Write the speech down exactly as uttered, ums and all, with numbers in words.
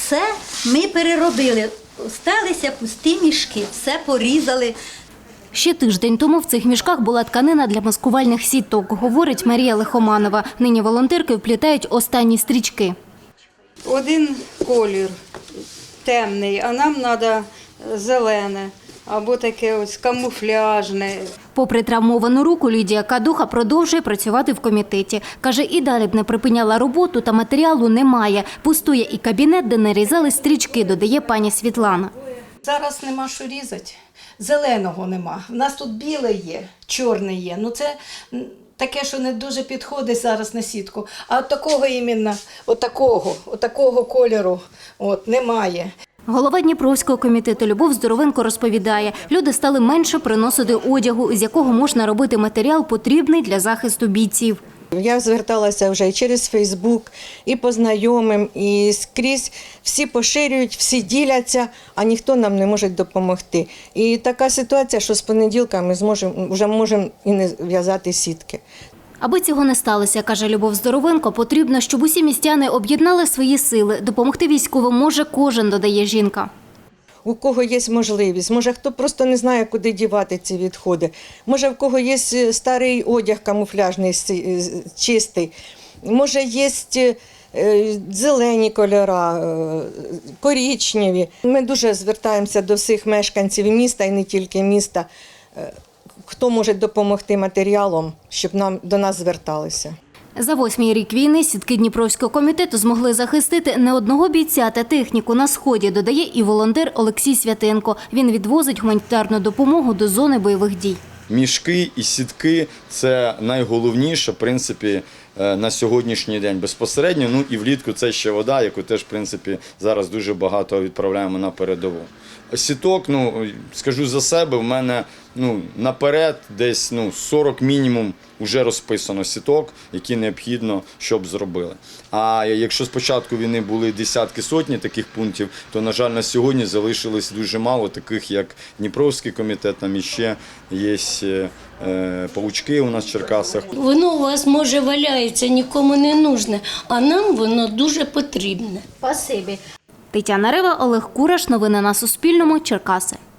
Оце ми переробили. Осталися пусті мішки, все порізали. Ще тиждень тому в цих мішках була тканина для маскувальних сіток, говорить Марія Лихоманова. Нині волонтерки вплітають останні стрічки. Один колір темний, а нам треба зелене або таке ось камуфляжне. Попри травмовану руку, Лідія Кадуха продовжує працювати в комітеті. Каже, і далі б не припиняла роботу, та матеріалу немає. Пустує і кабінет, де нарізали стрічки, додає пані Світлана. Зараз нема що різати, зеленого нема. У нас тут біле є, чорне є. Ну це таке, що не дуже підходить зараз на сітку. А от такого іменно, от такого, от такого кольору от, немає. Голова Дніпровського комітету Любов Здоровенко розповідає, люди стали менше приносити одягу, з якого можна робити матеріал, потрібний для захисту бійців. Я зверталася вже і через Фейсбук, і по знайомим, і скрізь. Всі поширюють, всі діляться, а ніхто нам не може допомогти. І така ситуація, що з понеділка ми зможемо, вже можемо і не в'язати сітки. Аби цього не сталося, каже Любов Здоровенко, потрібно, щоб усі містяни об'єднали свої сили. Допомогти військовим може кожен, додає жінка. У кого є можливість, може хто просто не знає, куди дівати ці відходи, може в кого є старий одяг камуфляжний, чистий, може є зелені кольори, коричневі. Ми дуже звертаємося до всіх мешканців міста і не тільки міста, хто може допомогти матеріалом, щоб нам, до нас зверталися. За восьмий рік війни сітки Дніпровського комітету змогли захистити не одного бійця та техніку на Сході, додає і волонтер Олексій Святенко. Він відвозить гуманітарну допомогу до зони бойових дій. Мішки і сітки – це найголовніше, в принципі, на сьогоднішній день безпосередньо. Ну і влітку це ще вода, яку теж, в принципі, зараз дуже багато відправляємо на передову. Сіток, ну, скажу за себе, в мене ну, наперед десь ну, сорок мінімум вже розписано сіток, які необхідно, щоб зробили. А якщо з початку війни були десятки, сотні таких пунктів, то, на жаль, на сьогодні залишилось дуже мало таких, як Дніпровський комітет, там іще є е, паучки у нас в Черкасах. Воно у вас, може, валяється, нікому не нужне, а нам воно дуже потрібне. Спасибі. Тетяна Рева, Олег Кураш. Новини на Суспільному. Черкаси.